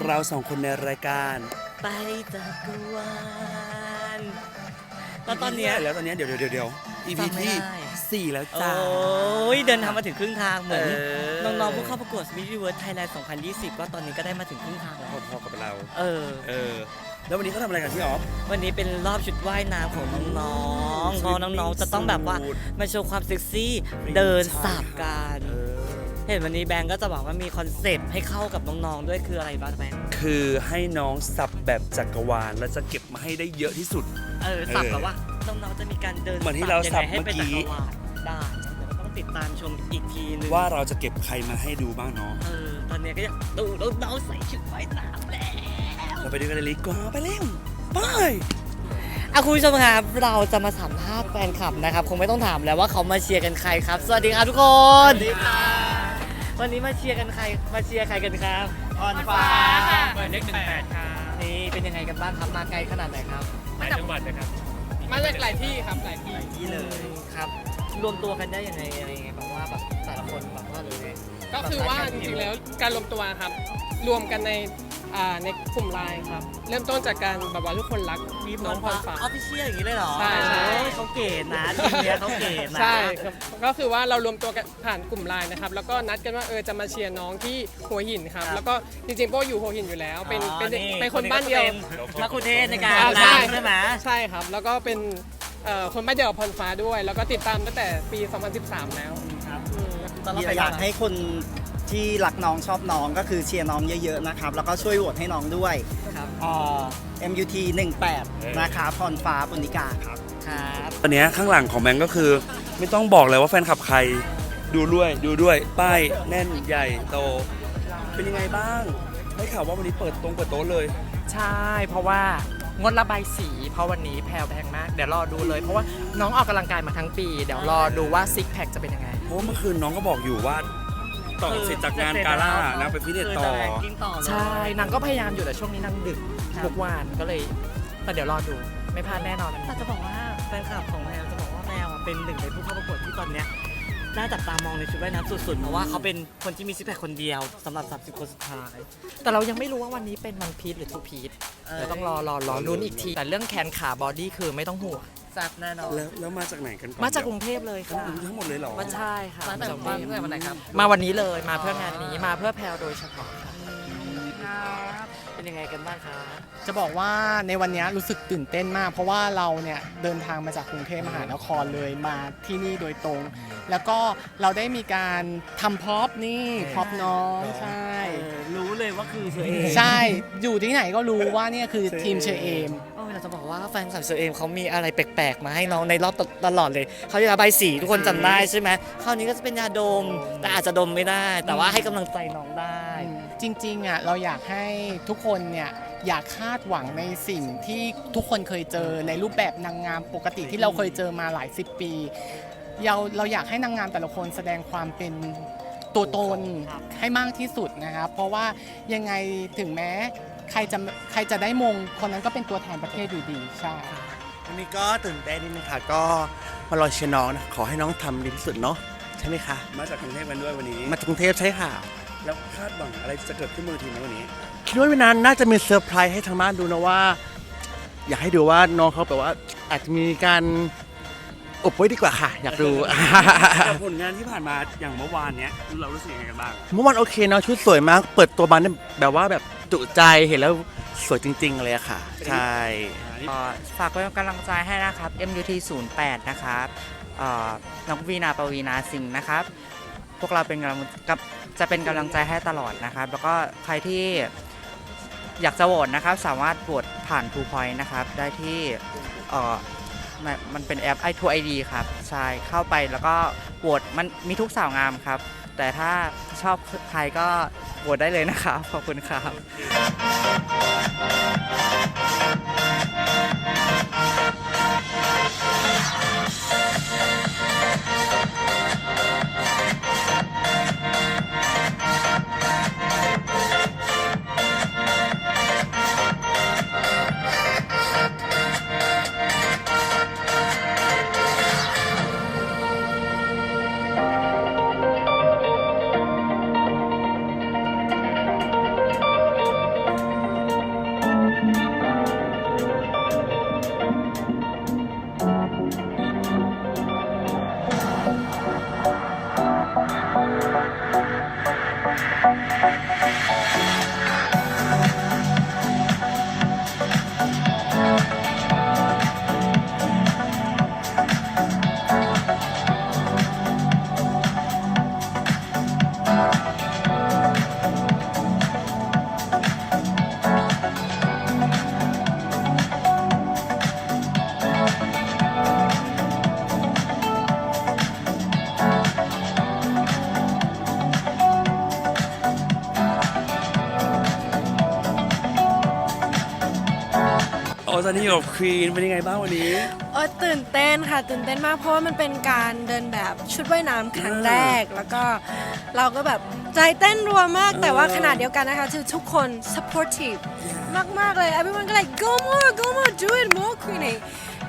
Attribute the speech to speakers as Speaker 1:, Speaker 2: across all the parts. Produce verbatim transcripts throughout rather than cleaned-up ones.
Speaker 1: เราสองคนในรายการ
Speaker 2: ไปจักรวาลแล้วตอนเนี้ย
Speaker 1: แล้วตอนเนี้ยเดี๋ยวเดี๋ยวเดี๋ยว อี พี ที่สี่แล้วจ้า
Speaker 2: โอ้ยเดินทางมาถึงครึ่งทางเหมือน
Speaker 1: เออ
Speaker 2: น้องๆผู้เข้าประกวด Miss Universe Thailand สองพันยี่สิบก็ตอนนี้ก็ได้มาถึงครึ่งทางแล้ว
Speaker 1: พอๆกับเรา
Speaker 2: เออ
Speaker 1: เออ แล้ววันนี้เขาทำอะไรกันพี่ออฟ
Speaker 2: วันนี้เป็นรอบชุดว่ายน้ำของน้องๆเพราะน้องๆจะต้องแบบว่ามาโชว์ความเซ็กซี่เดินสาบกัน
Speaker 1: เออ
Speaker 2: เห็นวันนี้แบงก์ก็จะบอกว่ามีคอนเซปต์ให้เข้ากับน้องๆด้วยคืออะไรบ้างแบงก์
Speaker 1: คือให้น้องสับแบบจักรวาลแล้วจะเก็บมาให้ได้เยอะที่สุด
Speaker 2: เออสับแบบว่าน้องๆจะมีการเดิน
Speaker 1: เหมือนที่เราสับ
Speaker 2: ยังไงให้เป็น
Speaker 1: เมื่
Speaker 2: จั
Speaker 1: อกี้
Speaker 2: กรวาลได้เดี๋ยวเราต้องติดตามชมอีกทีนึง
Speaker 1: ว่าเราจะเก็บใครมาให้ดูบ้างเนาะ
Speaker 2: เออตอนนี้ก็จะดูน้องๆใส่ชุดว่ายน้ำแล้ว
Speaker 1: เราไปดูกันเลยดีกว่าไปเร็วไป
Speaker 2: อ่ะคุณผู้ชมครับเราจะมาสัมภาษณ์แฟนคลับนะครับคงไม่ต้องถามแล้วว่าเขามาเชียร์กันใครครับ สวัสดีครับทุกคนสวัสดีค่ะวันนี้มาเชียร์กันใครมาเชียร์ใครกันครับ
Speaker 3: ออนฟ้า
Speaker 4: เบอร์เลขหนึ่งแปดครับ
Speaker 2: นี่เป็นยังไงกันบ้างครับมาไกลขนาดไหนครับ
Speaker 4: หลายจังหวัดเลยครับ
Speaker 3: มาจากหลายที่ครับหลายที่
Speaker 2: ที่เลยครับรวมตัวกันได้ยังไงอะไรยังไงแบบว่าแบบแต่ละคนแบบว่าหรือไง
Speaker 3: ก็คือว่าจริงๆแล้วการรวมตัวครับ รวมกันในอ่าในกลุ่มไลน์ครับ เริ่มต้นจากการแบบว่าทุกคนรักน้องพรฟ้า
Speaker 2: ออฟฟิเชียลอย่างนี้เลยเหรอ
Speaker 3: ใช่ใช่
Speaker 2: โอ้ยเขาเก๋นะทีมเนี้ยเขาเก๋นะ
Speaker 3: ใช่ครับก็คือว่าเรารวมตัวกันผ่านกลุ่มไลน์นะครับ แล้วก็นัดกันว่าเออจะมาเชียร์น้องที่หัวหินครับ แล้วก็จริงๆโป้อยู่หัวหินอยู่แล้ว เป็นเป็นเป็นคนบ้านเดียว
Speaker 2: มักคุเทศในการ
Speaker 3: อ่าใช่
Speaker 2: ล้างใช่ไหม
Speaker 3: ใช่ครับ แล้วก็เป็นเอ่อคนบ้านเดียวกับพรฟ้าด้วย แล้วก็ติดตามตั้งแต่ปี สองพันสิบสาม แล้ว
Speaker 2: ครับ
Speaker 3: อืม
Speaker 2: ตอนเราไป
Speaker 5: อยากให้คนที่รักน้องชอบน้องก็คือเชียร์น้องเยอะๆนะครับ แล้วก็ช่วยโหวตให้น้องด้วย
Speaker 2: ครับ
Speaker 5: อ่า เอ็ม ยู ที หนึ่งแปด นะครับพรฟ้าปุณิกาครับ
Speaker 2: ครับ
Speaker 1: ตอนเนี้ยข้างหลังของแบงก์ก็คือ ไม่ต้องบอกเลยว่าแฟนคลับใครดูด้วยดูด้วยป้ายแน่นใหญ่โต เป็นยังไงบ้างได้ข่าวว่าวันนี้เปิดตรงเปิดโต๊ะเลย
Speaker 4: ใช่ เพราะว่างดระบายสี เพราะวันนี้แพลวแพงมาก เดี๋ยวรอดูเลย เพราะว่าน้องออกกำลังกายมาทั้งปี เดี๋ยวรอดูว่าซิกแพคจะเป็นยังไง
Speaker 1: เพราะว่าเมื่อคืนน้องก็บอกอยู่ว่าต่อเสร็จจากงานกาล่านางไปฟิตเนสต่อ
Speaker 2: คืจะแรงกิ้งต่อเลย
Speaker 4: ใช่ นางก็พยายามอยู่แต่ช่วงนี้นางดึกทุกวันก็เลยแต่เดี๋ยวรอดู ไม่พลาดแน่นอน
Speaker 2: แต่จะบอกว่าแฟนคลับของแมวจะบอกว่าแมวอ่ะเป็นหนึ่งในผู้เข้าประกวดที่ตอนเนี้ยน่าจับตามองในชุดว่ายน้ำสุดๆ เพราะว่าเขาเป็นคนที่มีซิกแพคคนเดียวสำหรับสามสิบคนสุดท้าย
Speaker 4: แต่เรายังไม่รู้ว่าวันนี้เป็นวันพีชหรือทูพีช
Speaker 2: เออ
Speaker 4: เดี๋ยวต้องรอรอรอลุ้นอีกที แต่เรื่องแขนขาบอดี้คือไม่ต้องห่วง
Speaker 2: แซ่บแน่นอน
Speaker 1: แล้วแล้วมาจากไหนกันก่อน
Speaker 4: มาจากกรุงเทพเลย
Speaker 1: ทั้ง
Speaker 4: ค่ะ
Speaker 1: ทั้งหมดเลยเหรอ
Speaker 4: มาใช่ค่ะ
Speaker 2: มาแต่วันตั้งแต่วันไหนครับ
Speaker 4: มาวันนี้เลยมาเพื่องานนี้มาเพื่อแพลวโดยเฉพาะค่ะ
Speaker 2: เป็นยังไงกันบ้างครับ
Speaker 3: จะบอกว่าในวันนี้รู้สึกตื่นเต้นมาก เพราะว่าเราเนี่ยเดินทางมาจากกรุงเทพมหานครเลยมาที่นี่โดยตรง แล้วก็เราได้มีการทำพ็อปนี่พ็อปน้องใช่
Speaker 2: เออรู้เลยว่าคือเชอเอม
Speaker 3: ใช่ อยู่ที่ไหนก็รู้ว่าเนี่ยคือทีมเชอเอม
Speaker 2: โอ้ยเราจะบอกว่าแฟนคลับเชอเอมเขามีอะไรแปลกๆ มาให้น้องในรอบตลอดเลยเขาจะระบายสีทุกคนจำได้ใช่ไหมคราวนี้ก็จะเป็นยาดม แต่อาจจะดมไม่ได้ แต่ว่าให้กำลังใจน้องได้
Speaker 3: จริงๆอ่ะเราอยากให้ทุกคนเนี่ยอยากคาดหวังในสิ่งที่ทุกคนเคยเจอในรูปแบบนางงามปกติที่เราเคยเจอมาหลายสิบปีเราเราอยากให้นางงามแต่ละคนแสดงความเป็นตัวตนให้มากที่สุดนะครับเพราะว่ายังไงถึงแม้ใครจะใครจะได้มงคนนั้นก็เป็นตัวแทนประเทศอยู่ดีใช่
Speaker 6: วันนี้ก็ตื่นเต้นนิดนึงค่ะก็มารอเชียร์น้องนะขอให้น้องทำดีที่สุดเนาะใช่ไหมคะ
Speaker 1: มาจากกรุงเทพกันด้วยวันนี้
Speaker 6: มาจากกรุงเทพใช่ค่ะ
Speaker 1: แล้วคาดหวังอะไรจะเกิดขึ้นบนเวทีในวันนี้
Speaker 6: คิดว่าวันนั้นน่าจะมีเซอร์ไพรส์ให้ทางบ้านดูนะว่า อยากให้ดูว่าน้องเขาแบบว่าอาจจะมีการอบไว้ดีกว่าค่ะ อยากดู
Speaker 1: กับผลงานที่ผ่านมาอย่างเมื่อวานเนี้ยเรารู้สึกยังไงกันบ้าง
Speaker 6: เมื่อวานโอเคเนาะชุดสวยมาก เปิดตัวมาเนี่ยแบบว่าแบบจุใจเห็นแล้วสวยจริง ๆ เลยอะค่ะ ใช่
Speaker 7: เอ่อฝากเป็นกำลังใจให้นะครับ เอ็ม ยู ที ศูนย์แปด นะครับเอ่อน้องวีนาปวีนาสิงห์นะครับ พวกเราเป็นกำลังกับจะเป็นกำลังใจให้ตลอดนะครับ แล้วก็ใครที่อยากจะโหวตนะครับ สามารถโหวตผ่าน True Point นะครับ ได้ที่เอ่อมันมันเป็นแอป ไอ ทู ไอ ดี ครับ ใช่ เข้าไปแล้วก็โหวตมันมีทุกสาวงามครับ แต่ถ้าชอบใครก็โหวตได้เลยนะครับ ขอบคุณครับ
Speaker 1: นี้อยู่กับควีนเป็นยังไงบ้างวันนี้
Speaker 8: เออตื่นเต้นค่ะตื่นเต้นมากเพราะว่ามันเป็นการเดินแบบชุดว่ายน้ำครั้งแรก แล้วก็เราก็แบบใจเต้นรัวมาก แต่ว่าขนาดเดียวกันนะคะคือทุกคน supportive มาก ๆ เลย everyone ก็ like go more go more do it more Queenie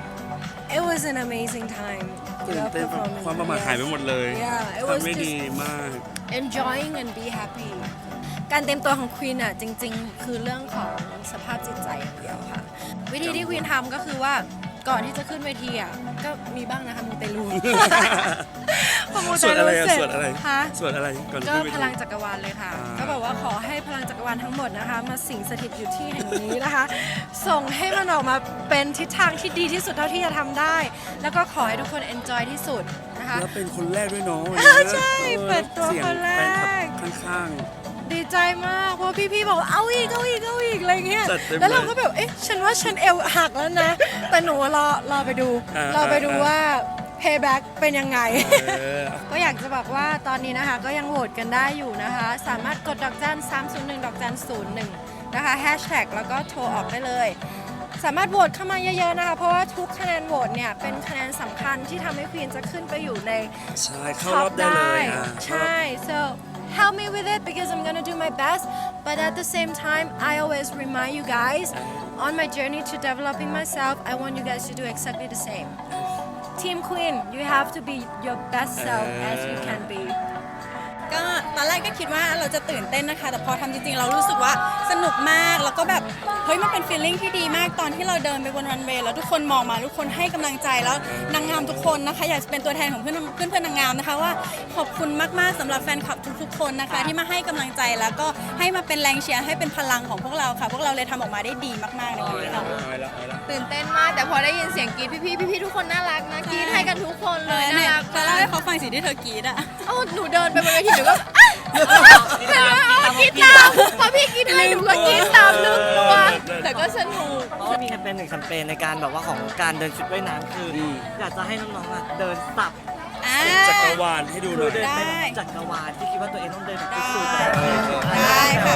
Speaker 8: it was an amazing time
Speaker 1: ตื่นเต้นความประมาทหายไปหมดเลย
Speaker 8: Yeah, it was
Speaker 1: ทำไม่
Speaker 8: just
Speaker 1: ดีมาก
Speaker 8: enjoying and be happy การเตรียมตัวของควีนอ่ะจริงๆ คือเรื่องของสภาพจิตใจอย่างเดียวค่ะ วิธีที่ควีนทำก็คือว่าก่อนที่จะขึ้นเวทีอ่ะก็มีบ้างนะคะมูเตลู พอมู
Speaker 1: ส
Speaker 8: เต
Speaker 1: วด
Speaker 8: ลู
Speaker 1: อะไรอะ
Speaker 8: เสร็จ
Speaker 1: สวดอะไร
Speaker 8: คะ
Speaker 1: สวดอะไรก่อน
Speaker 8: ก็
Speaker 1: ขึ้นเว
Speaker 8: พ
Speaker 1: ที
Speaker 8: ลังจักรวาลเลยค่ะ
Speaker 1: อ่า
Speaker 8: ก็แบบว่าขอให้พลังจักรวาลทั้งหมดนะคะ มาสิงสถิตอยู่ที่แห่งนี้นะคะ ส่งให้มันออกมาเป็นทิศทางที่ดีที่สุดเท่าที่จะทำได้ แล้วก็ขอให้ทุกคน enjoy ที่สุดนะคะ
Speaker 1: แล้วเป็นคนแรกด้วยเนาะ
Speaker 8: ใช่เปิดตัว
Speaker 1: สียง
Speaker 8: คนแรก
Speaker 1: ฟนคลับข้าง
Speaker 8: ดีใจมาก เพราะพี่ๆบอกว่าเอาอีกเอาอีกเอาอีกอะไรเงี้ย
Speaker 1: จัดเต็ม
Speaker 8: แล้วเรา
Speaker 1: เลย
Speaker 8: ก็แบบ เอ๊ะ ฉันว่าฉันเอวหักแล้วนะ แต่หนูรอรอไปดู
Speaker 1: อ่าร
Speaker 8: อไปดู
Speaker 1: อ่า
Speaker 8: ว่า payback เป็นยังไง
Speaker 1: ๆเออ
Speaker 8: ก็อยากจะบอกว่าตอนนี้นะคะก็ยังโหวตกันได้อยู่นะคะ สามารถกดดอกจันสามศูนย์หนึ่งดอกจันศูนย์หนึ่งนะคะแฮชแท็กแล้วก็โทรออกได้เลย สามารถโหวตเข้ามาเยอะๆนะคะ เพราะว่าทุกคะแนนโหวตเนี่ยเป็นคะแนนสำคัญที่ทำให้ควีนจะขึ้นไปอยู่ใน
Speaker 1: ใช่เข้ารอบได้เลยอ่ะ
Speaker 8: ใช่ so help me with it because I'm gonna do my best but at the same time I always remind you guys on my journey to developing myself I want you guys to do exactly the same Team Queen you have to be your best self as you can be
Speaker 9: ก็ตอนแรกก็คิดว่าเราจะตื่นเต้นนะคะ แต่พอทำจริงๆ เรารู้สึกว่าสนุกมาก แล้วก็แบบเฮ้ยมันเป็นฟีลลิ่งที่ดีมากตอนที่เราเดินไปบนรันเวย์แล้วทุกคนมองมาทุกคนให้กำลังใจแล้วนางงามทุกคนนะคะอยากจะเป็นตัวแทนของเพื่อนเพื่อนเพื่อนนางงามนะคะว่าขอบคุณมากๆสำหรับแฟนคลับทุกๆคนนะคะที่มาให้กำลังใจแล้วก็ให้มาเป็นแรงเชียร์ให้เป็นพลังของพวกเราค่ะ พวกเราเลยทำออกมาได้ดีมากๆในวันนี้ค่ะ
Speaker 10: ตื่นเต้นมากแต่พอได้ยินเสียงกรี๊ดพี่ๆพี่ๆทุกคนน่ารักนะกรี๊ดให้กันทุกคนเลยน่ารัก
Speaker 9: จะเล่าให้เขาฟังสิ่งที่เธอกรีดอะ
Speaker 10: เอ้าหนูเดินไปบนเวทีหนูก็กรี๊ดตามพอพี่กรี๊ดให้หนูก็กรี๊ดตามลืมตัวแต่ก็สนุก
Speaker 2: เพราะว่ามีแคมเปญหนึ่งแคมเปญในการแบบว่าของการเดินชุดว่ายน้ำคืออ
Speaker 1: ม
Speaker 2: อยากจะให้น้องๆอ่ะเดินสับ
Speaker 9: อ่า
Speaker 1: จักรวาลให้ดูห
Speaker 2: คื
Speaker 1: น่
Speaker 2: อ
Speaker 1: อย
Speaker 2: เดินเป็น
Speaker 9: ได้
Speaker 2: จักรวาลที่คิดว่าตัวเองต้องเดินแบบ
Speaker 9: ได้
Speaker 2: สุดๆ
Speaker 9: ได้ค่ะ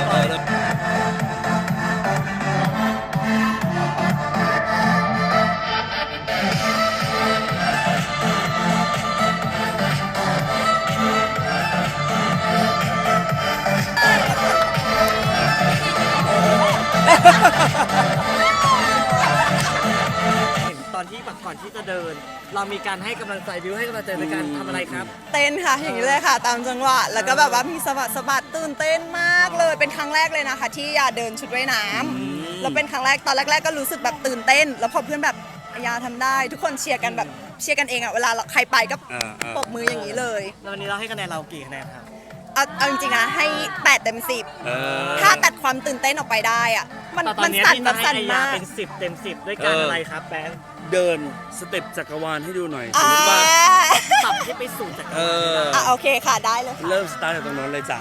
Speaker 2: เห็นตอนที่แบบก่อนที่จะเดิน เรามีการให้กำลังใจบิวให้กำลังใจในการทำอะไรครับ
Speaker 9: เต้นค่ะอย่างนี้เลยค่ะตามจังหวะแล้วก็แบบว่ามีสะบัดสะบัดตื่นเต้นมากเลยเป็นครั้งแรกเลยนะคะ ที่ยาเดินชุดว่ายน้ำแล้วเป็นครั้งแรกตอนแรก ๆ ก็รู้สึกแบบตื่นเต้น แล้วพอเพื่อนแบบยาทำได้ ทุกคนเชียร์กันแบบเชียร์กันเองอะเวลาเราใครไปก็
Speaker 1: อ่าๆ
Speaker 9: ปรบมืออย่างนี้เลย
Speaker 2: แล้ววันนี้เราให้คะแนนเรากี่คะแนนครับ
Speaker 9: เอาเอาจริงๆนะให้แปดเต็มสิบ
Speaker 1: เออ
Speaker 9: ถ้าตัดความตื่นเต้นออกไปได้อะมัน
Speaker 2: แต่ตอ
Speaker 9: มัน น
Speaker 2: นี้
Speaker 9: สั่น
Speaker 2: ที่
Speaker 9: แบ
Speaker 2: จะ
Speaker 9: บ
Speaker 2: ให้
Speaker 9: สั่น
Speaker 2: ไอยาม
Speaker 9: าก
Speaker 2: เป็นสิบเต็มสิบด้วยการ
Speaker 1: เอออ
Speaker 2: อะไรครับแบงค์
Speaker 1: เดินสเต็ปจักรวาลให้ดูหน่อยสม
Speaker 9: อ่าม
Speaker 1: ติว่า
Speaker 2: สับให้ไปสู่จักร
Speaker 1: เอ
Speaker 2: วาล
Speaker 1: อ
Speaker 9: อ่ะโอเคค่ะได้เลยค่ะ
Speaker 1: เริ่มสตาร์ทจากตรงนั้นเลยจ้ะ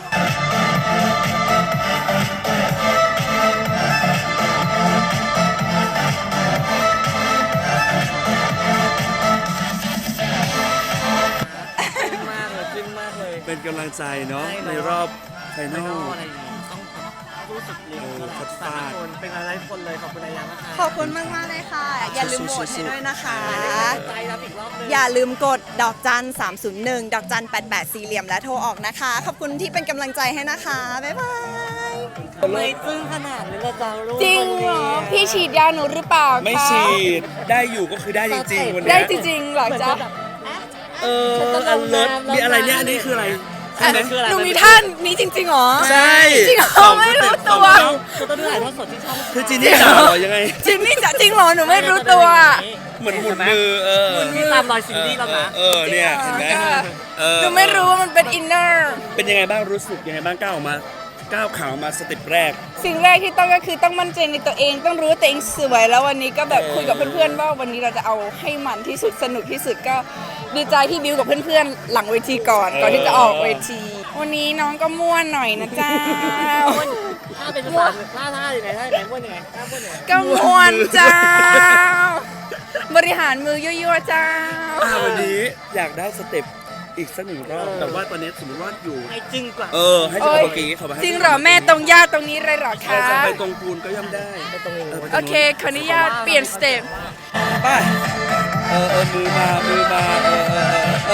Speaker 2: จึ้งมากเลยจึ้งมากเลย
Speaker 1: เป็นกำลังใจเนาะ
Speaker 2: ใช่เนอะ
Speaker 1: ในรอบไฟน
Speaker 2: ไม่
Speaker 1: อล
Speaker 2: ต้องอะไรอย่างงี้ต้องแบบรู้สึกเลี้ยง
Speaker 1: เออ
Speaker 2: ตลอ
Speaker 1: คั
Speaker 2: ด
Speaker 1: ด
Speaker 2: สา
Speaker 1: ฟาด
Speaker 2: มคนเป็นอะไรทุกคนเลยขอบคุณอายามากครับ
Speaker 9: ขอบคุณมากมากๆเลยค่ะ อย่าลืมโหวตให้ด้วยนะคะ
Speaker 2: ใจรับอีกรอบนึง
Speaker 9: อย่าลืมกดดอกจันสามศูนย์หนึ่งดอกจันแปดแปดสี่เหลี่ยมและโทรออกนะคะ ขอบคุณที่เป็นกำลังใจให้นะคะ บ๊ายบาย
Speaker 2: ทำไมซึ้งขนาดนี้ละจ้าลูก
Speaker 10: จริงเหรอพี่ฉีดยาหนูหรือเปล่าคะ
Speaker 1: ไม่ฉีดได้อยู่ก็คือได้จริงๆวันเนี้ย
Speaker 10: ได้จริงๆเหรอจ๊ะ
Speaker 1: เอออันเลิศมีอะไรเนี่ยอันนี้คืออะไรใช่ไหม
Speaker 2: คืออะไร
Speaker 10: หนูมีท่านนี้จริงๆเหรอ
Speaker 1: ใช่
Speaker 10: จริงเหรอ
Speaker 1: สอง
Speaker 10: ไม่รู้
Speaker 1: สเต็ป
Speaker 10: ตัว
Speaker 1: สองเท้า
Speaker 2: คือต้องดูถ่ายทอดสดที่ช่อง
Speaker 1: คือจีนี่จ๋าเหรอยังไง
Speaker 10: จริงนี่จะจริงเหรอหนูไม่รู้ตัว
Speaker 1: เหมือนหมุนมือเออ
Speaker 2: ที่ตามรอยซินดี้เรานะ
Speaker 1: เออเนี่ยเห็นไหมเออ
Speaker 10: หนูไม่รู้ว่ามันเป็นอินเนอร์
Speaker 1: เป็นยังไงบ้างรู้สึกยังไงบ้างก้าวออกมาก้าวขาวมาสเต็ปแรก
Speaker 10: สิ่งแรกที่ต้องก็คือต้องมั่นใจในตัวเอง ต้องรู้ว่าตัวเองสวยแล้ววันนี้ก็แบบคุยกับเพื่อนๆว่าวันนี้เราจะเอาให้มันที่สุดสนุกที่สุดก็ดีใจที่บิวกับเพื่อนๆหลังเวทีก่อนก่อนที่จะออกเวที วันนี้น้องก็ม่วนหน่อยนะเจ้า
Speaker 2: ถ้าเป็นภาษาท่าท่าอย่างไรท่าอย่างไรม้วนยังไงท่าม้วนยังไง
Speaker 10: ก็ม่วนเจ้า บริหารมือยั่วๆเจ้า
Speaker 1: อ่าวันนี้อยากได้สเต็ปอีกสักหนึ่งรอบแต่ว่าตอนนี้สมมติว่าอยู่
Speaker 2: ให้จึ้งกว่า
Speaker 1: เออให้จังหวะเมื่อกี้เขาไป
Speaker 10: จริงเหรอแม่ตรงย่าตรงนี้เลยเหรอ
Speaker 1: เอ
Speaker 10: คะ
Speaker 1: อจะไปตรงปูนก็ย่อมได้ไปตรงนี้
Speaker 10: โอเคขออนุญาตเปลี่ยนสเต็ป
Speaker 1: ไปเออเออมือมามือมาเออเออเอ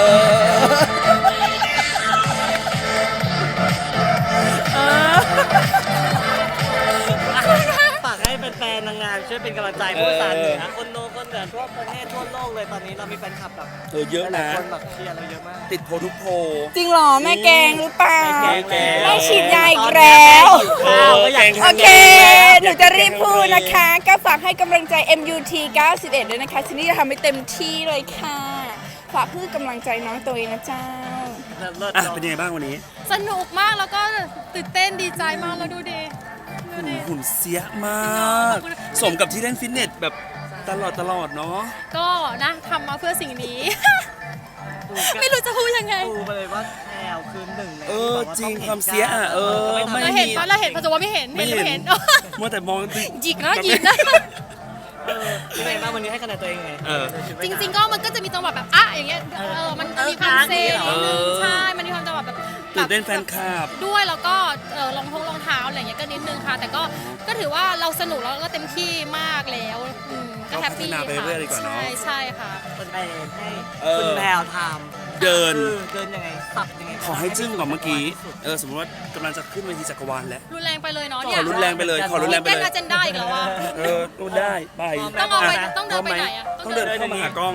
Speaker 1: อ
Speaker 2: ฝากให้แฟนๆนางงามช่วยเป็นกำลังใจพวกสารเหนือคนโนคนเหนือทั่วประเทศทั่วโลกเลยตอนนี้เรามีแฟนคลับแบบ
Speaker 1: เออเยอะ
Speaker 2: หลา
Speaker 1: นะ
Speaker 2: ยคนแบบเชียร์เราเยอะมาก
Speaker 1: ติดโพลทุกโพล
Speaker 10: จริงเหรอแม่แกงหรือเปล่า
Speaker 1: แกงแกง
Speaker 10: แม่ฉีดยาอีกแล้ว
Speaker 1: เออแกง
Speaker 10: โอเค หนูจะรีบพูดนะคะ ก็ฝากให้กำลังใจ เอ็ม ยู ที เก้าสิบเอ็ด ด้วยนะคะฉันนี่จะทำให้เต็มที่เลยค่ะ ฝากเพื่อกำลังใจน้องตัวเองนะเจ้า
Speaker 1: อ่ะเป็นยังไงบ้างวันนี้
Speaker 11: สนุกมากแล้วก็ตื่นเต้นดีใจมากแล้วดูดิดู
Speaker 1: หุ่น
Speaker 11: ดิ
Speaker 1: หุ่นเสียมาก สมกับที่เล่นฟิตเนสแบบตลอดตลอดเนาะ
Speaker 11: ก็นะทำมาเพื่อสิ่งนี้ ไม่รู้จะพูดยังไง
Speaker 2: ดูไปเลยว่าแพรวคือหนึ่งใน
Speaker 1: เออจริงความเสียอ่ะเออไม่
Speaker 11: เราเห็นปะเราเห็นปัจจุบันไม่เห็น
Speaker 1: ไม่
Speaker 11: เห็นหรือ
Speaker 1: เห็
Speaker 11: ไม่เห็
Speaker 1: น
Speaker 11: น
Speaker 1: มัวแต่มองติ
Speaker 11: หยิกนะหยิกนะ
Speaker 2: ยังไงบ้างวันนี้ให้คะแนนตัวเองไง
Speaker 1: เออ
Speaker 11: จริง ๆ ก็มันก็จะมีจังหวะแบบอ่ะอย่างเงี้ยเออมันจะมีความเซ่นิดนึงใช่มันมีความจังหวะแบบ
Speaker 1: ตื่นเต้นแฟนคลับ
Speaker 11: ด้วยแล้วก็เออรองทงรองเท้าอะไรอย่างเงี้ยก็นิดนึงค่ะ แต่ก็ก็ถือว่าเราสนุกแล้วก็เต็มที่มากแล้วอืมก็แฮปปี้
Speaker 1: ก็พัฒนาไป
Speaker 11: ค่ะ
Speaker 1: เรื่อยๆดีกว่าเนอะ
Speaker 11: ใช่ใช่ค่ะ
Speaker 2: คนไปให้
Speaker 1: เออ
Speaker 2: คุณแพรวท
Speaker 1: เดิน
Speaker 2: ำคือเดินยังไงสับยังไง
Speaker 1: ขอให้จึ้งกว่าเมื่อกี้ เออสมมติว่ากำลังจะขึ้นเวทีจักรวาลแล้ว
Speaker 11: รุนแรงไปเลยเนาะ
Speaker 1: ข
Speaker 11: เนี่
Speaker 1: อย รุนแรงไปเลย ขอรุนแรงไป
Speaker 11: เต้น
Speaker 1: เลย
Speaker 11: อาเจนได้อีกแล้วว่า
Speaker 1: เออดูได้ไป
Speaker 11: ต้องเอาไป
Speaker 1: ะ
Speaker 11: ต้องเดินไปไหนอะ
Speaker 1: ต้องเดิน
Speaker 11: ต้องเดิน
Speaker 1: เข้ามาหากล้อง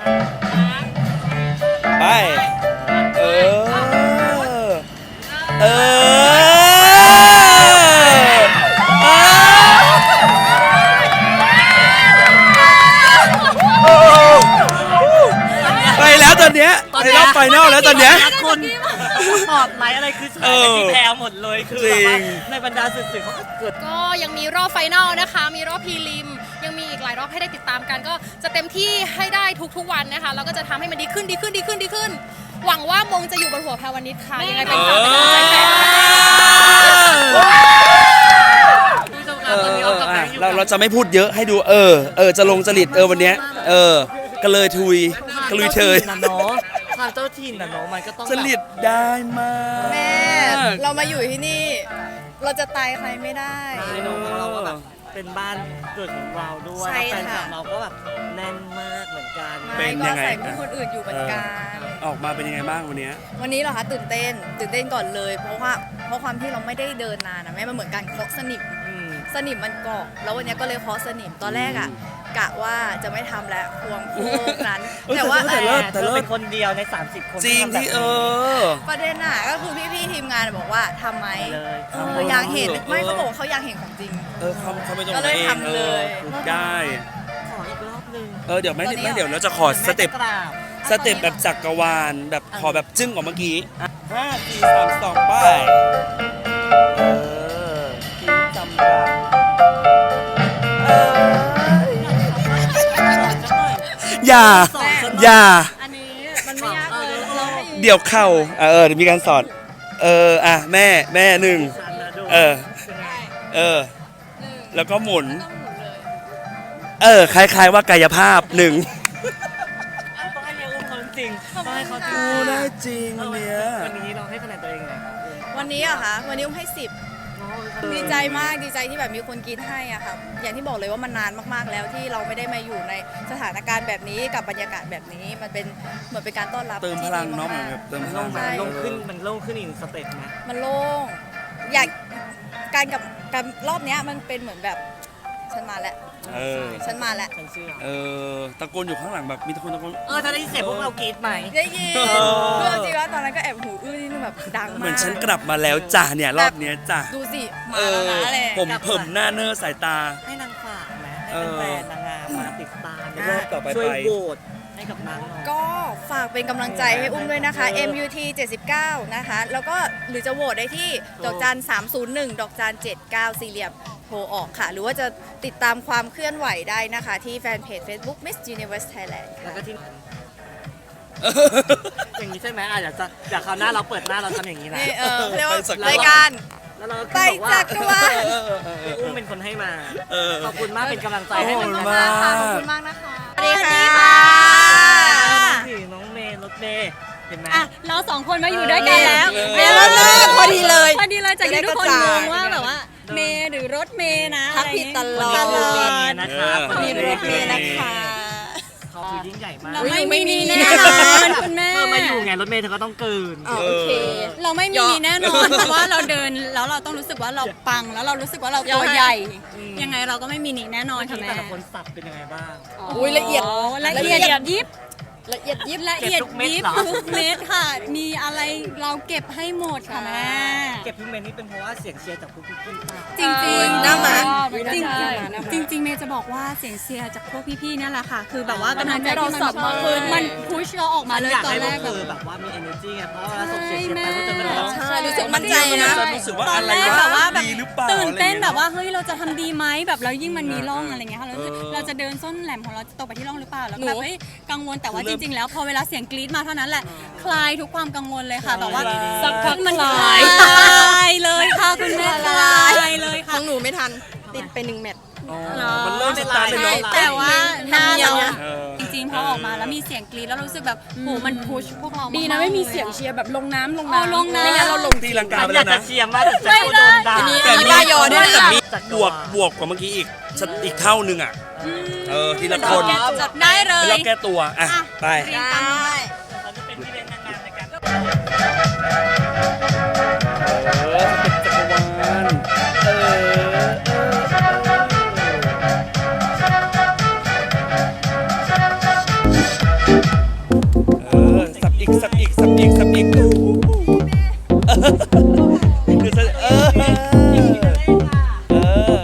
Speaker 1: ไป เออ เออไปแล้วตอนเนี้ยในรอบไฟนอลแล้วตอนเนี้ย
Speaker 2: คนปลอดไหลอะไรคือฉายไปที่แพรวหมดเลยคือแบบว่า
Speaker 1: จริง
Speaker 2: ในบรรดาสื่อๆเขาก็เกิด
Speaker 11: ก็ยังมีรอบไฟนอลนะคะ มีรอบพรีลิม ยังมีอีกหลายรอบให้ได้ติดตามกัน ก็จะเต็มที่ให้ได้ทุกๆวันนะคะ แล้วก็จะทำให้มันดีขึ้นดีขึ้นดีขึ้นดีขึ้น หวังว่ามงจะอยู่บนหัวแพรวันนี้ค่ะ ยังไงเป็นฝากเป็นกำลังใจให้นะคะ
Speaker 2: ผู้ชมค
Speaker 1: เอ
Speaker 2: รับ
Speaker 1: อ
Speaker 2: ตอนนี้
Speaker 1: เอ
Speaker 2: เอา
Speaker 1: อก
Speaker 2: ลับ
Speaker 1: อ่ะ
Speaker 2: ไปอยู่
Speaker 1: เราเราจะไม่พูดเยอะให้ดูเออ เออ จะลงจริตเออวันเนี้ย เออ ก็เลยทุยก็ลุยเชย
Speaker 2: นะเนาะความเจ้าถิ่นนะเนาะมันก็ต้อง
Speaker 1: จริตได้มาก
Speaker 10: แม่ เรามาอยู่ที่นี่ เราจะตายใครไม่ได้
Speaker 2: เมนูของเราก็แบบเป็นบ้านเกิดของเราด้วย
Speaker 10: ใช่
Speaker 2: แล้วแฟนคลั
Speaker 10: ค่ะ
Speaker 2: บเราก็แบบแน่นมากเหมือนกัน
Speaker 1: เป็น
Speaker 10: ไม่
Speaker 1: ยั
Speaker 10: ก็
Speaker 1: งไง
Speaker 10: ใส่เพื่อนคนอื่นอยู่เหมือนกัน
Speaker 1: ออกมาเป็นยังไงบ้างวันเนี้ย
Speaker 10: วันนี้เหรอคะตื่นเต้น ตื่นเต้นก่อนเลย เพราะว่าเพราะความที่เราไม่ได้เดินนานนะแม่มันเหมือนการเคาะสนิม
Speaker 2: อืม
Speaker 10: สนิมมันเกาะแล้ววันนี้ก็เลยเคาะสนิมตอนแรกอ่ะกะว่าจะไม่ทำแล้วควงโคกนั้น
Speaker 1: เอ้ย
Speaker 10: แต่ว่า
Speaker 1: แต่เลิศ
Speaker 2: แต่เธอเป็นคนเดียวใน สามสิบ คน
Speaker 1: จริงที่เออ
Speaker 10: ประเด็นอ่ะก็คือพี่ๆทีมงานบอกว่าทำไหม
Speaker 2: เลย
Speaker 10: เอออยากเห็นไม่เขาบอกว่าเขาอยากเห็นของจริง
Speaker 1: เออเขาเขาไม่ต้อง
Speaker 10: ก็เลย
Speaker 1: เอง
Speaker 10: ทำเลย
Speaker 1: ออได้
Speaker 2: ขออีกรอบหนึง
Speaker 1: เออเดี๋ยวไม่
Speaker 10: ตอนนี้
Speaker 1: ไม่เดี๋ยวเราจะขอสเต็ป
Speaker 2: แม่จะกราบ
Speaker 1: สเต็ปแบบจักรวาลแบบขอแบบจึ้งกว่าเมื่อกี้ห้าสี่สามสองไปเออทิ้งจำรักเอออย่า อย่า
Speaker 11: อันนี้มันไม่ยากเลยเราให้
Speaker 1: เดี๋ยวเข่าเออเออเดี๋ยวมีการสอน เอออ่ะแม่แม่หนึ่งเออ เออ แล้วก็หมุน เออ คล้ายๆว่ากายภาพหนึ่ง
Speaker 2: ต้องให้เรียกอุ้มเขาจริงต้องให้เขาจริง
Speaker 1: โอ้ได้จริงอันเนี้ย
Speaker 2: วันนี้เราให้คะแนนตัวเองไงครับ
Speaker 10: วันนี้อะคะวันนี้อุ้มให้สิบดีใจมากดีใจที่แบบมีคนกรีดให้อะค่ะอย่างที่บอกเลยว่ามันนานมากๆแล้วที่เราไม่ได้มาอยู่ในสถานการณ์แบบนี้กับบรรยากาศแบบนี้มันเป็นเหมือนเป็นการต้อนรับ
Speaker 1: เติมพ
Speaker 10: ที่
Speaker 1: ลัง
Speaker 10: ดี
Speaker 1: เนาะเหมือน
Speaker 10: มาก
Speaker 1: แบบเติมพ
Speaker 2: มัน
Speaker 1: ลั
Speaker 2: โล่
Speaker 1: ง
Speaker 2: งไหมมันโล่งขึ้นมันโล่งขึ้นอีกสเต็ปไหม
Speaker 10: ๆมันโล่งอยากการกับการรอบเนี้ยมันเป็นเหมือนแบบฉันมาแล้ว
Speaker 1: เออ
Speaker 10: ฉันมาแล้ว
Speaker 2: ฉันเชื่อ
Speaker 1: เออ ตะโกนอยู่ข้างหลังแบบมีตะโกนตะโกน
Speaker 2: เออถ้าได้ยินเสียงพวกเรากรี๊ดไหม
Speaker 10: ได้ยิน
Speaker 1: เออ
Speaker 10: คือเอาจริงว่าตอนนั้นก็แอบหูอื้อนิดนึงแบบดังมาก
Speaker 1: เหมือนฉันกลับมาแล้วจ้ะเนี่ยรอบเนี้ยจ้ะ
Speaker 10: ดูสิมา
Speaker 1: เอ
Speaker 10: แล้ว
Speaker 1: อ
Speaker 10: นะอะไร
Speaker 1: ผมเผิมหน้าเนอร์สายตา
Speaker 2: ให้นางฝากไหม
Speaker 1: เอ
Speaker 2: ให้
Speaker 1: อ
Speaker 2: แฟนๆนางงามมาติดตาม
Speaker 1: รอบต่อไป
Speaker 2: ช่วย
Speaker 1: ไป
Speaker 2: โหวตให้กับนางหน่อย
Speaker 10: ก็ฝากเป็นกำลังใจให้อุ้มด้วยนะคะ เอ็ม ยู ที เจ็ดสิบเก้า นะคะ แล้วก็หรือจะโหวตได้ที่ดอกจันสามศูนย์หนึ่งดอกจันเจ็ดเก้าสี่เหลี่ยมโทรออกค่ะ หรือว่าจะติดตามความเคลื่อนไหวได้นะคะ ที่แฟนเพจ Facebook Miss Universe Thailand
Speaker 2: แล้ว
Speaker 10: ค่ะ
Speaker 2: ก็ที่ อย่างนี้ใช่ไหมอ่ะอยากจะอยากคราวหน้าเราเปิดหน้าเราทำอย่างนี้นะ
Speaker 10: นี่เออเรียกว่า
Speaker 1: ไปสัก
Speaker 10: รายการ
Speaker 2: แล้วเราก็
Speaker 10: ไป
Speaker 2: บอกว่า
Speaker 10: จักรวาล
Speaker 1: เออเออเออเอ
Speaker 2: อุ้ม
Speaker 1: อ
Speaker 2: เป็นคนให้มา
Speaker 1: เออ
Speaker 2: ขอบคุณมากเป็นกำลังใจ
Speaker 1: ขอบ
Speaker 2: ให้
Speaker 1: คุ
Speaker 2: เหมือ
Speaker 1: ณ
Speaker 2: นกัน
Speaker 1: มาก
Speaker 10: ขอบคุณมากนะคะ
Speaker 2: สวัสดีค่ะน้องเมย์รถเมย์
Speaker 4: เห็นไหม
Speaker 9: อ่ะเราสองคนมาอยู่ด้วยกันแล้ว
Speaker 1: เออ
Speaker 9: เมย์
Speaker 10: พอดีเลย
Speaker 9: พอดีเลยจากที่ทุกคน
Speaker 10: จะได้กระ
Speaker 9: ง
Speaker 10: จาย
Speaker 9: งว่าแบบว่าเมย์หรือรถเมย์นะ
Speaker 10: ทักผิดตลอด
Speaker 9: ตลอด
Speaker 4: นะครับ
Speaker 1: เออ
Speaker 10: มีรถเมย์นะคะ
Speaker 4: เขาคือยิ่งใหญ่มาก
Speaker 9: เรา
Speaker 10: อุ๊ย
Speaker 9: ไม่
Speaker 10: ไม่มี
Speaker 9: มีแน่นอนคุณแม่
Speaker 4: เธอมาอยู่ไงรถเมล์เธอก็ต้องเกิน
Speaker 10: อ๋อโอเค
Speaker 9: เราไม่มีแน่นอนเพราะว่าเราเดินแล้วเราต้องรู้สึกว่าเราปังแล้วเรารู้สึกว่าเราตัวใหญ่ ยังไงเราก็ไม่มีหนีแน่นอนค่ะแม่
Speaker 4: แต่ละคนสับเป็นยังไงบ้าง
Speaker 10: อุ๊ยละเอียด
Speaker 9: โละเอียดยิบ
Speaker 10: ละเอียดยิบ
Speaker 9: ละเอียด
Speaker 4: เก็บทุกเม็ด
Speaker 9: ยิบ
Speaker 4: เหรอ
Speaker 9: ทุกเม็ดค่ะ มีอะไรเราเก็บให้หมดค่ะแม่
Speaker 4: เก็บทุกเมนนี่เป็นเพราะว่าเสียงเชียร์จากพวกพี่ๆป่ะ
Speaker 9: จริงจริง
Speaker 10: หน้าม้า
Speaker 9: จริง
Speaker 10: หน้า
Speaker 9: จริง
Speaker 10: ม้าหน้าม้า
Speaker 9: จริงจริงเมย์จะบอกว่าเสียงเชียร์จากพวกพี่ๆนั่นแหละค่ะ คือแบบว่ากำลังใจ
Speaker 10: มันทำให้เรา
Speaker 9: ที่
Speaker 10: สับมากขึ้น
Speaker 9: มันพุชเราออกมาเลย
Speaker 4: อยาก
Speaker 9: ตอน
Speaker 4: ให้
Speaker 9: แร
Speaker 4: พวก
Speaker 9: ก
Speaker 4: เธ
Speaker 9: แบบ
Speaker 4: อแบบว่ามี energy ไงเพราะว่าเวลาส่งเสียงเชียร์ไปพวกเธอก็จะแบบ
Speaker 10: ใช่รู้สึกมั่นใจนะ
Speaker 1: จะรู้สึกว่า
Speaker 9: ตอ
Speaker 1: อะ
Speaker 9: น
Speaker 1: ไร
Speaker 9: แรกแบบว่าแบบ
Speaker 1: ดีหรือเปล่า
Speaker 9: ตื่นเต้น
Speaker 1: อะไร
Speaker 9: แบบ
Speaker 1: งี้ย
Speaker 9: ว่าเฮ้ยเราจะทำดีไหมแบบเรายิ่งมันมีร่อง
Speaker 1: เอออ
Speaker 9: อะไรเงี้ยค่ะเรา
Speaker 1: เออ
Speaker 9: เราจะเดินส้นแหลมของเราจะตกไปที่ร่องหรือเปล่าแล้ว
Speaker 10: หนู
Speaker 9: แบบเฮ้ยกังวลแต่ว่า
Speaker 1: คือ
Speaker 9: จ
Speaker 1: เริ่ม
Speaker 9: ริง ๆ แล้วพอเวลาเสียงกรี๊ดมาเท่านั้นแหละคลายทุกความกังวลเลยค่ะแบบว่า
Speaker 1: คลาย
Speaker 9: สักพักมัน
Speaker 10: ค
Speaker 9: ค
Speaker 10: ลา
Speaker 9: ลาย ยเลยค่ะคุณแม่คลายเลย
Speaker 10: ข
Speaker 9: ค่ะ
Speaker 10: องหนูไม่ทัน ติดไปหนึ่งแมตช์
Speaker 1: อ๋อมันเริ่มสตาร์ทเลยเนาะ
Speaker 9: แต่ว่าหน้าเรา
Speaker 1: เออ
Speaker 9: จริงๆพอออกมาแล้วมีเสียงกรี๊ดแล้วรู้สึกแบบโหมันพุชพวกเรา
Speaker 10: ดี
Speaker 9: ดี
Speaker 10: นะไม่มีเสียงเชียร์แบบลงน้ำลง
Speaker 9: อ๋อ
Speaker 10: น้ำ
Speaker 9: ลงน้ำ
Speaker 10: ไม่งั้นเราลง
Speaker 1: ตีลังกาไป
Speaker 4: อ
Speaker 1: แล้
Speaker 4: ยาก
Speaker 1: ว
Speaker 4: จะ
Speaker 1: นะ
Speaker 4: เชียร์มากแต่ฉันก็โดนด่า
Speaker 10: อันนี้
Speaker 1: แต่
Speaker 10: มีบ้ายอด้วยนะ
Speaker 1: แต่มี
Speaker 4: จาก
Speaker 1: บวกบวกกว่าเมื่อกี้อีกสักอีกเท่านึงอ่ะ เออทีละคน
Speaker 9: ได้เล
Speaker 1: เป็น
Speaker 9: ย
Speaker 1: รอบแก้ตัวอ่ะไป
Speaker 9: เรียนตามนี้
Speaker 4: เขาจะเป็นพี่เลี้ยงนางงามในการ
Speaker 1: เออเป็นจักรวาลเออเออสับอีกสับอีกสับอีกสับอีกอู้คือจะเออเออเออ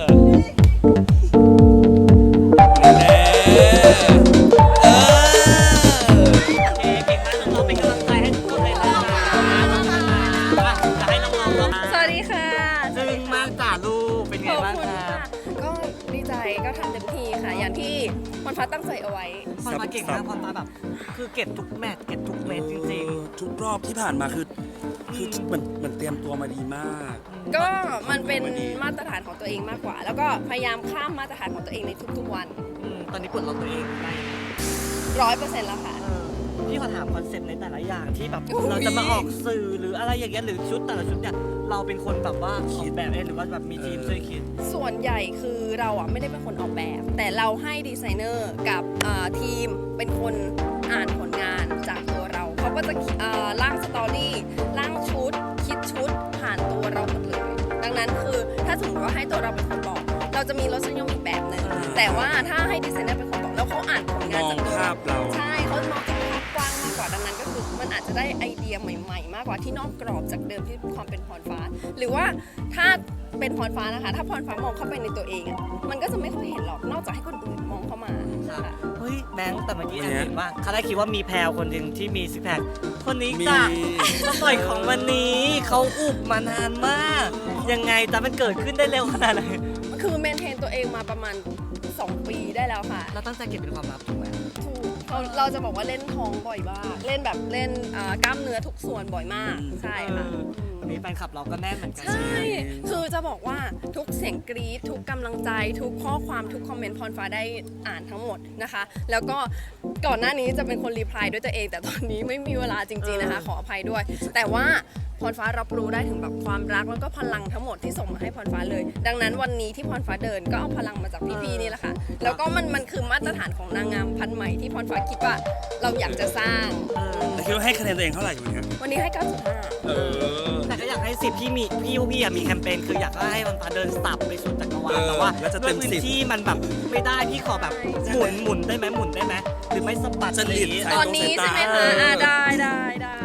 Speaker 1: แน่เออ
Speaker 4: เก่งมากน้องๆเป็นกำลังใจให้ทุกคนเลยนะคะจะให้น้องๆร้อง
Speaker 8: สวัสดีค่ะ
Speaker 4: ซึ้งมากจ้าลูกเป็นไงบ้างครับ
Speaker 8: ก็ดีใจก็ทำเต็มที่ค่ะ อย่างที่มันฟ้าตั้งใจเอาไว้
Speaker 4: พอมาเก่งมากพอมาแบบ คือเก็บทุกแมตช์เก็บทุกเม็ดจริง
Speaker 1: ทุกรอบที่ผ่านมาคือคือเหมือนเหมือนเตรียมตัวมาดีมาก
Speaker 8: ก็มันเป็น
Speaker 1: มันดี
Speaker 8: มาตรฐานของตัวเองมากกว่า แล้วก็พยายามข้ามมาตรฐานของตัวเองในทุกๆวัน
Speaker 4: ๆอืมตอนนี้ปลดล็อกตัวเองได้
Speaker 8: ร้อยเปอร์เซ็นต์แล้วค่ะ
Speaker 4: เออพี่ขอถามคอนเซ็ปต์ในแต่ละอย่างที่แบบ
Speaker 8: อุ๊ย
Speaker 4: เราจะมาออกสื่อหรืออะไรอย่างเงี้ยหรือชุดแต่ละชุดเนี่ยเราเป็นคนแบบว่าออกแบบเองหรือว่าแบบมีทีมช่วยคิด
Speaker 8: ส่วนใหญ่คือเราอ่ะไม่ได้เป็นคนออกแบบ แต่เราให้ดีไซเนอร์กับอ่าทีมเป็นคนอ่านผลงานจากตัวเรา เขาก็จะอ่าร่างสตอรี่ร่างชุด คิดชุดผ่านตัวเราหมดเลย ดังนั้นคือถ้าสมมติว่าให้ตัวเราเป็นคนบอก เราจะมีรสนิยมอีกแบบหนึ่งแต่ว่าถ้าให้ดีไซเนอร์เป็นคนบอกแล้วเขาอ่านผลงานจากตัว
Speaker 1: มองภาพเรา
Speaker 8: ใช่เขามองจากภาพกว้างมากกว่าดังนั้นก็คือมันอาจจะได้ไอเดียใหม่ ๆ มากกว่าที่นอกกรอบจากเดิมที่ความเป็นพรฟ้า หรือว่าถ้าเป็นพรฟ้านะคะ ถ้าพรฟ้ามองเข้าไปในตัวเองอะมันก็จะไม่ค่อยเห็นหรอกนอกจากให้คนอื่นมองเข้ามาค่ะ
Speaker 4: เฮ้ยแบงค์แต่เมื่อกี้
Speaker 1: วัน
Speaker 4: แอน
Speaker 1: เนี้ย
Speaker 4: เห็นว่าเขาได้คิดว่ามีแพรวคนหนึ่งที่มีซิกแพคคนนี้
Speaker 1: มี
Speaker 4: จ้ะมาปล่อยของวันนี้เขาอุบมานานมาก ยังไงแต่มันเกิดขึ้นได้เร็วขนาดไหน
Speaker 8: คือเมนเทนตัวเองมาประมาณสองปีได้แล้วค่ะ
Speaker 4: เราตั้งใจเก็บเป็นความลับถูกไหม
Speaker 8: ถูกเราเราจะบอกว่าเล่นท้องบ่อยมากเล่นแบบเล่นอ่ากล้ามเนื้อทุกส่วนบ่อยมาก ใช่ค่ะ
Speaker 4: เออวันนี้แฟนคลับเราก็แน่นเหมือนกัน
Speaker 8: ใช่ คือจะบอกว่าทุกเสียงกรี๊ดทุกกำลังใจ ทุกข้อความทุกคอมเมนต์พรฟ้าได้อ่านทั้งหมดนะคะ แล้วก็ก่อนหน้านี้จะเป็นคนรีプライด้วยตัวเอง แต่ตอนนี้ไม่มีเวลาจริงๆนะคะ ขออภัยด้วย แต่ว่าพรฟ้ารับรู้ได้ถึงแบบความรักแล้วก็พลังทั้งหมดที่ส่งมาให้พรฟ้าเลย ดังนั้นวันนี้ที่พรฟ้าเดินก็เอาพลังมาจากพี่ๆนี่แหละค่ะ แล้วก็มันมันคือมาตรฐานของนางงามพันธุ์ใหม่ที่พรฟ้าคิดว่าเราอยากจะสร้าง
Speaker 1: แต่คิดว่าให้คะแนนตัวเองเท่าไหร่อยู่เนี่ย
Speaker 8: วันนี้ให้ เก้าจุดห้า
Speaker 1: เออ
Speaker 4: แต่ก็อยากให้สิบพี่มีพี่พวกพี่อะมีแคมเปญคืออยากให้มันพาเดินสับไปสุดจักรวาล
Speaker 1: เออ
Speaker 4: แต่ว่า
Speaker 1: แล้วจะ
Speaker 4: ด้
Speaker 1: เต็
Speaker 4: วย
Speaker 1: ม
Speaker 4: พื้
Speaker 1: สิ
Speaker 4: น
Speaker 1: บ
Speaker 4: ที่มันแบบไม่ได้พี่ขอแบบหมุนหมุนได้ไหมหมุนได้ไหมหรือไม่สะบัด
Speaker 1: จริต
Speaker 4: อะไรอย่างงี้
Speaker 1: ใส่
Speaker 8: ตอนนี้ใช่ไหมคะอ่าได้ได้ได้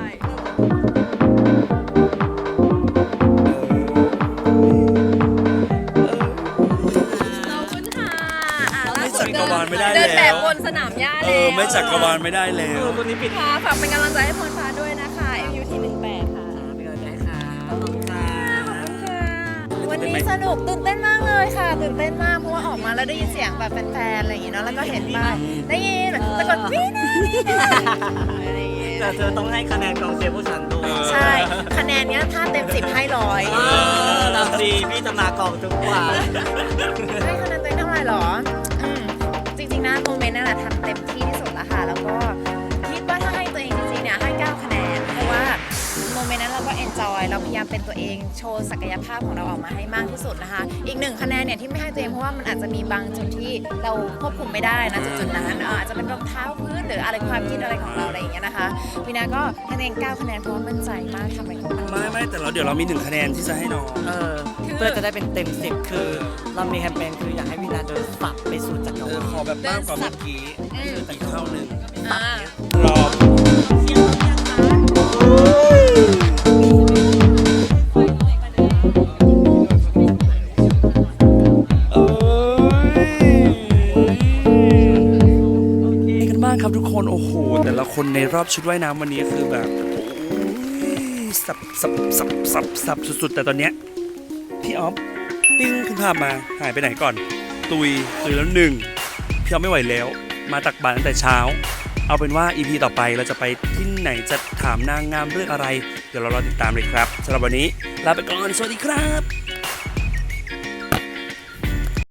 Speaker 8: ขอบคุณค่ะอ่าล่า
Speaker 1: ไม่
Speaker 8: สุ
Speaker 1: จั
Speaker 8: ด
Speaker 1: กรวาลไม่ได้
Speaker 8: เดินแบ
Speaker 1: แล้
Speaker 8: บ
Speaker 1: ว
Speaker 8: บนสนามหญ้า
Speaker 1: เอ
Speaker 8: แล้ว
Speaker 1: อไม่จักรวาลไม่ได้แล้
Speaker 4: เอ
Speaker 1: ว
Speaker 4: อคนนี้ปิด
Speaker 8: ค่ะฝากเป็นกำลังใจให้พรฟ้าด้วยนะคะ เอ็ม ยู ที หนึ่งแปดค่ะ
Speaker 4: เป็นกำลังใจค่ะขอบคุณค่ะ
Speaker 12: วันนี้สนุกตื่นเต้นมากเลยค่ะ ตื่นเต้นมากเพราะว่าออกมาแล้วได้ยินเสียงแบบแฟนๆอะไรอย่างงี้เนาะแล้วก็เห็นป้ายได้ยินตะโกนวีน่าวีน่าอะไรอย่างเงี้ย
Speaker 4: แต่เธอต้องให้คะแนนกองเชียร์ผู้ชันด้วย
Speaker 12: ใช่ คะแนนเนี้ยถ้าเต็มสิบให้ร้อย
Speaker 4: เออทำดีพี่จะมากองทุกวัน
Speaker 12: ให้คะแนนตัวเองเท่าไหร่หรออืมจริงๆนะโมเมนต์นั่นแหละทำเต็มที่ที่สุดแล้วค่ะ แล้วก็คิดว่าถ้าให้ตัวเองจริงๆเนี่ยให้เก้าคะแนนโมเมนต์นั้นเราก็เอนจอยเราพยายามเป็นตัวเองโชว์ศักยภาพของเราออกมาให้มากที่สุดนะคะอีกหนึ่งคะแนนเนี่ยที่ไม่ให้ตัวเองเพราะว่ามันอาจจะมีบางจุดที่เราควบคุมไม่ได้นะจุดๆนั้นเอ่ออาจจะเป็นรองเท้าพื้นหรืออะไรความคิดอะไรของเราอะไรอย่างเงี้ยนะคะวีนาก็ให้ตัวเองเก้าคะแนนเพราะว่ามั่นใจมากทำไปของมัน
Speaker 1: ไม่ไม่แต่เราเดี๋ยวเรามีหนึ่งคะแนนที่จะให้น้อง
Speaker 2: เออเพื่อจะได้เป็นเต็มสิบคือ เรามีแคมเปญคืออยากให้วีนาเดินสับไปสู่จักร
Speaker 1: เอ
Speaker 2: วา
Speaker 1: อ
Speaker 2: ล
Speaker 1: ขอแบบมากกว่าเมื่อกี้อีกเท่าหนึ่ง
Speaker 11: อ่าร
Speaker 1: อนี่กันบ้างครับทุกคนโอ้โหแต่ละคนในรอบชุดว่ายน้ำวันนี้คือแบบโอ้ยสับสับสับสับสับสุดๆแต่ตอนเนี้ยพี่ออฟปิ้งขึ้นภาพมาหายไปไหนก่อน ตุยตุยแล้วหนึ่งพี่ออฟไม่ไหวแล้ว มาตักบาตรตั้งแต่เช้า เอาเป็นว่า อี พี ต่อไปเราจะไปที่ไหนจะถามนางงามเรื่องอะไร เดี๋ยวเรารอติดตามเลยครับสำหรับวันนี้ลาไปก่อนสวัสดีครับ